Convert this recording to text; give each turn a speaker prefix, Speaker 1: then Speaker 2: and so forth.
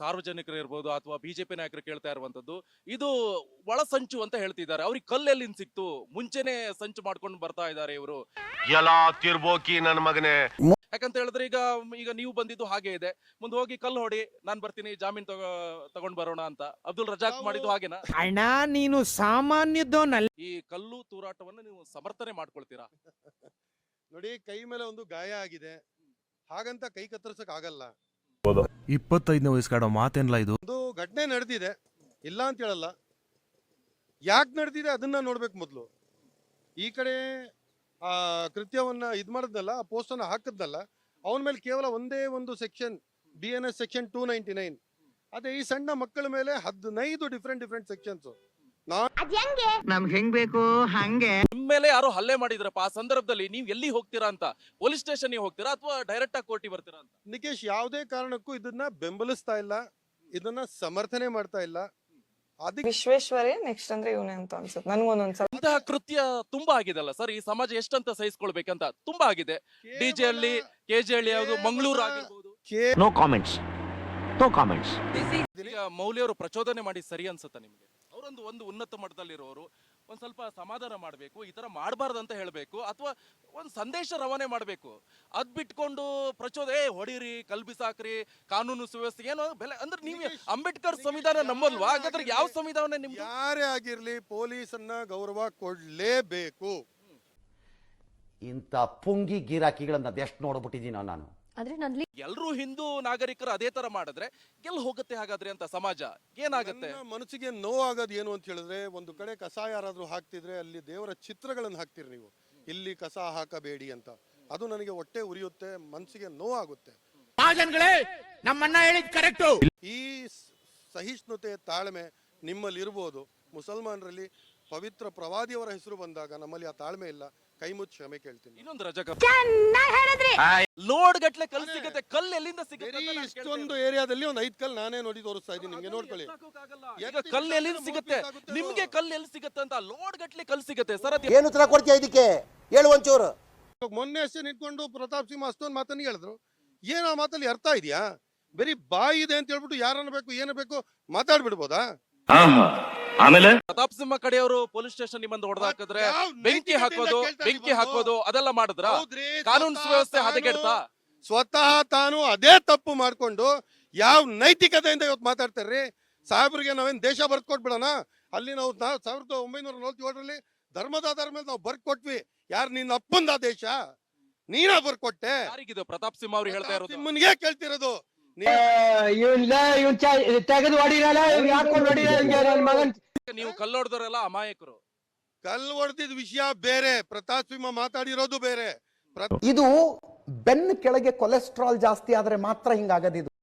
Speaker 1: ಸಾರ್ವಜನಿಕರು ಇರ್ಬೋದು ಅಥವಾ ಬಿಜೆಪಿ ನಾಯಕರು ಕೇಳ್ತಾ ಇರುವಂತದ್ದು ಇದು ಒಳ ಸಂಚು ಅಂತ ಹೇಳ್ತಿದ್ದಾರೆ. ಅವ್ರಿಗೆ ಕಲ್ಲೆಲ್ಲಿಂದ ಸಿಕ್ತು? ಮುಂಚೆನೆ ಸಂಚು ಮಾಡ್ಕೊಂಡು ಬರ್ತಾ ಇದ್ದಾರೆ ಇವರು.
Speaker 2: ಎಲ್ಲಾ ತಿರ್ಬೋಕಿ ನನ್ನ ಮಗನೇ.
Speaker 1: ಯಾಕಂತ ಹೇಳಿದ್ರೆ ಈಗ ಈಗ ನೀವು ಬಂದಿದ್ದು ಹಾಗೆ ಇದೆ, ಮುಂದೆ ಹೋಗಿ ಕಲ್ಲು ಹೊಡಿ, ನಾನ್ ಬರ್ತೀನಿ, ಜಾಮೀನ್ ತಗೊಂಡ್ ಬರೋಣ ಅಂತ ಅಬ್ದುಲ್ ರಜಾಕ್ ಮಾಡಿದ್ದು ಹಾಗೇನಾ?
Speaker 3: ಅಣ್ಣ ನೀನು ಸಾಮಾನ್ಯದೋನಲ್ಲ.
Speaker 1: ಈ ಕಲ್ಲು ತೂರಾಟವನ್ನು ನೀವು ಸಮರ್ಥನೆ ಮಾಡ್ಕೊಳ್ತೀರಾ?
Speaker 4: ನೋಡಿ, ಕೈ ಮೇಲೆ ಒಂದು ಗಾಯ ಆಗಿದೆ, ಹಾಗಂತ ಕೈ ಕತ್ತರಿಸಕ್ ಆಗಲ್ಲ.
Speaker 5: 25ನೇ ವಯಸ್ಸಾಡೋ ಮಾತೇನಲ್ಲ ಇದು.
Speaker 4: ಒಂದು ಘಟನೆ ನಡೆದಿದೆ, ಇಲ್ಲ ಅಂತ ಹೇಳಲ್ಲ. ಯಾಕೆ ನಡೆದಿದೆ ಅದನ್ನ ನೋಡ್ಬೇಕು ಮೊದಲು. ಈ ಕಡೆ ಆ ಕೃತ್ಯವನ್ನ ಇದ್ ಮಾಡಿದ್ನಲ್ಲ, ಆ ಪೋಸ್ಟ್ ಅನ್ನ ಹಾಕಿದ್ನಲ್ಲ, ಅವನ ಮೇಲೆ ಕೇವಲ ಒಂದೇ ಒಂದು ಸೆಕ್ಷನ್, BNS ಸೆಕ್ಷನ್ 299. ಅದೇ ಈ ಸಣ್ಣ ಮಕ್ಕಳ ಮೇಲೆ 15 ಡಿಫ್ರೆಂಟ್ ಸೆಕ್ಷನ್ಸ್.
Speaker 6: ನಮ್ಗೆ ಹೆಂಗ್ ಬೇಕು ಹಂಗೆ.
Speaker 1: ನಿಮ್ ಮೇಲೆ ಯಾರೋ ಹಲ್ಲೆ ಮಾಡಿದ್ರಪ್ಪ, ಆ ಸಂದರ್ಭದಲ್ಲಿ ನೀವ್ ಎಲ್ಲಿ ಹೋಗ್ತೀರಾ ಅಂತ? ಪೊಲೀಸ್ ಸ್ಟೇಷನ್ ಹೋಗ್ತೀರಾ ಅಥವಾ ಡೈರೆಕ್ಟ್ ಆಗಿ ಕೋರ್ಟಿಗೆ ಬರ್ತೀರಾ ಅಂತ?
Speaker 4: ನಿಕೇಶ್ ಯಾವುದೇ ಕಾರಣಕ್ಕೂ ಇದನ್ನ ಬೆಂಬಲಿಸ್ತಾ ಇಲ್ಲ, ಇದನ್ನ ಸಮರ್ಥನೆ ಮಾಡ್ತಾ ಇಲ್ಲ. ಅದಕ್ಕೆ
Speaker 7: ವಿಶ್ವೇಶ್ವರೇ ನೆಕ್ಸ್ಟ್ ಅಂದ್ರೆ ಇವನೇ ಅಂತ ಅನ್ಸುತ್ತೆ ನನ್ಗೊಂದೊಂದ್ಸಲ.
Speaker 1: ಇಂತಹ ಕೃತ್ಯ ತುಂಬಾ ಆಗಿದೆಲ್ಲ ಸರ್, ಈ ಸಮಾಜ ಎಷ್ಟಂತ ಸಹಿಸ್ಕೊಳ್ಬೇಕಂತ ತುಂಬಾ ಆಗಿದೆ. ಡಿಜೆ ಅಲ್ಲಿ, KJ ಹಳ್ಳಿ, ಯಾವುದು ಮಂಗಳೂರು ಆಗಿರ್ಬೋದು.
Speaker 2: No comments, no comments.
Speaker 1: ಈಗ ಮೌಲ್ಯವರು ಪ್ರಚೋದನೆ ಮಾಡಿ ಸರಿ ಅನ್ಸುತ್ತಾ ನಿಮ್ಗೆ? ಅವರೊಂದು ಉನ್ನತ ಮಟ್ಟದಲ್ಲಿರೋರು ಒಂದ್ ಸ್ವಲ್ಪ ಸಮಾಧಾನ ಮಾಡ್ಬೇಕು, ಈ ತರ ಮಾಡಬಾರ್ದು ಅಂತ ಹೇಳ್ಬೇಕು, ಅಥವಾ ಒಂದ್ ಸಂದೇಶ ರವಾನೆ ಮಾಡ್ಬೇಕು. ಅದ್ ಬಿಟ್ಕೊಂಡು ಹೊಡೀರಿ, ಕಲ್ಬಿಸಾಕ್ರಿ, ಕಾನೂನು ಸುವ್ಯವಸ್ಥೆ ಏನೋ ಬೆಲೆ ಅಂದ್ರೆ ನೀವು ಅಂಬೇಡ್ಕರ್ ಸಂವಿಧಾನ ನಂಬಲ್ವಾ? ಹಾಗಾದ್ರೆ ಯಾವ ಸಂವಿಧಾನ ನಿಮ್ಗೆ?
Speaker 4: ಯಾರೇ ಆಗಿರ್ಲಿ ಪೊಲೀಸನ್ನ ಗೌರವ ಕೊಡ್ಲೇಬೇಕು.
Speaker 8: ಇಂಥ ಪುಂಗಿ ಗಿರಾಕಿಗಳನ್ನ ಅದೆಷ್ಟು ನೋಡ್ಬಿಟ್ಟಿದ್ದೀನೋ ನಾನು.
Speaker 1: ಎಲ್ರೂ ಹಿಂದೂ ನಾಗರಿಕರು ಅದೇ ತರ ಮಾಡಿದ್ರೆ ಗೆಲ್ ಹೋಗುತ್ತೆ ಹಾಗಾದ್ರೆ ಅಂತ ಸಮಾಜ ಏನಾಗುತ್ತೆ?
Speaker 4: ಮನಸ್ಸಿಗೆ ನೋವಾಗೋದು ಏನು ಅಂತ ಹೇಳಿದ್ರೆ, ಒಂದು ಕಡೆ ಕಸ ಯಾರಾದ್ರೂ ಹಾಕ್ತಿದ್ರೆ ಅಲ್ಲಿ ದೇವರ ಚಿತ್ರಗಳನ್ನು ಹಾಕ್ತಿರಿ ನೀವು, ಇಲ್ಲಿ ಕಸ ಹಾಕಬೇಡಿ ಅಂತ. ಅದು ನನಗೆ ಹೊಟ್ಟೆ ಉರಿಯುತ್ತೆ, ಮನಸ್ಸಿಗೆ ನೋವಾಗುತ್ತೆ.
Speaker 3: ನಮ್ಮಣ್ಣ ಹೇಳಿದ್ ಕರೆಕ್ಟ್.
Speaker 4: ಈ ಸಹಿಷ್ಣುತೆ, ತಾಳ್ಮೆ ನಿಮ್ಮಲ್ಲಿ ಇರ್ಬೋದು. ಮುಸಲ್ಮಾನರಲ್ಲಿ ಪವಿತ್ರ ಪ್ರವಾದಿಯವರ ಹೆಸರು ಬಂದಾಗ ನಮ್ಮಲ್ಲಿ ಆ ತಾಳ್ಮೆ ಇಲ್ಲ. ಕೈ ಮುಚ್ಚಿ ಕ್ಷಮೆ ಕೇಳ್ತೀನಿ.
Speaker 1: ಇನ್ನೊಂದು ರಜಕ ಲೋಡ್ ಗಟ್ಲೆ ಕಲ್ಲು ಸಿಗುತ್ತೆ, ಕಲ್ಲು ಎಲ್ಲಿಂದ ಸಿಗುತ್ತೆ?
Speaker 4: ಇಷ್ಟೊಂದು ಏರಿಯಾದಲ್ಲಿ ಒಂದು 5 ಕಲ್ಲು ನಾನೇ ನೋಡಿ ತೋರಿಸ್ತಾ ಇದ್ದೀನಿ ನಿಮ್ಗೆ, ನೋಡ್ಕೊಳ್ಳಿ.
Speaker 1: ಈಗ ಕಲ್ಲು ಎಲ್ಲಿಂದ ಸಿಗುತ್ತೆ ನಿಮ್ಗೆ? ಕಲ್ಲು ಎಲ್ಲಿ ಸಿಗುತ್ತೆ ಅಂತ ಲೋಡ್ ಗಟ್ಲೆ ಕಲ್ಲು ಸಿಗುತ್ತೆ ಸರ್.
Speaker 8: ಏನು ಉತ್ತರ ಕೊಡ್ತೀಯ ಇದಕ್ಕೆ? ಹೇಳು ಒಂಚೂರು.
Speaker 4: ಮೊನ್ನೆ ಅಷ್ಟೇ ನಿಂತ್ಕೊಂಡು ಪ್ರತಾಪ್ ಸಿಂಹ ಅಷ್ಟೊಂದು ಮಾತನ್ನು ಹೇಳಿದ್ರು. ಏನ್ ಆ ಮಾತಲ್ಲಿ ಅರ್ಥ ಇದೆಯಾ? ಬರೀ ಬಾಯಿ ಇದೆ ಅಂತ ಹೇಳ್ಬಿಟ್ಟು ಯಾರನ್ನ ಬೇಕು ಏನು ಬೇಕು ಮಾತಾಡ್ಬಿಡ್ಬೋದಾ?
Speaker 2: ಆಮೇಲೆ
Speaker 1: ಪ್ರತಾಪ್ ಸಿಂಹ ಕಡೆಯವರು ಪೊಲೀಸ್ ಸ್ಟೇಷನ್ ನಿಮ್ಮಂದು ಹೊಡೆದಾಕಿದ್ರೆ ಬೆಂಕಿ ಹಾಕೋದು ಅದೆಲ್ಲ ಮಾಡಿದ್ರ? ಕಾನೂನು ಸುವ್ಯವಸ್ಥೆ ಹದಗೆಡ್ತಾ?
Speaker 4: ಸ್ವತಃ ತಾನು ಅದೇ ತಪ್ಪು ಮಾಡ್ಕೊಂಡು ಯಾವ ನೈತಿಕತೆಯಿಂದ ಇವತ್ತು ಮಾತಾಡ್ತಾರ್ರಿ? ಸಾಹೇಬ್ರಿಗೆ ನಾವೇನ್ ದೇಶ ಬರ್ದ್ ಕೊಟ್ಬಿಡೋಣ? ಅಲ್ಲಿ ನಾವು 1947ರಲ್ಲಿ ಧರ್ಮದ ಆಧಾರ ಮೇಲೆ ನಾವು ಬರ್ದ್ ಕೊಟ್ವಿ. ಯಾರು ನಿನ್ನ ಅಪ್ಪಂದ ದೇಶ? ನೀನ ಬರ್ಕೊಟ್ಟೆ?
Speaker 1: ಯಾರಿಗಿದು ಪ್ರತಾಪ್ ಸಿಂಹ ಅವ್ರು ಹೇಳ್ತಾ ಇರೋದು?
Speaker 4: ನಿಮ್ಮನ್ಗೆ ಕೇಳ್ತಿರೋದು.
Speaker 1: ನೀವು ಕಲ್ಲೊಡ್ದವರೆಲ್ಲ ಅಮಾಯಕರು.
Speaker 4: ಕಲ್ಲು ಹೊಡೆದಿದ್ ವಿಷಯ ಬೇರೆ, ಪ್ರತಾಪ್ ಸಿಂಹ ಮಾತಾಡಿರೋದು ಬೇರೆ.
Speaker 8: ಇದು ಬೆನ್ನ ಕೆಳಗೆ ಕೊಲೆಸ್ಟ್ರಾಲ್ ಜಾಸ್ತಿ ಆದ್ರೆ ಮಾತ್ರ ಹಿಂಗಾಗದಿದು.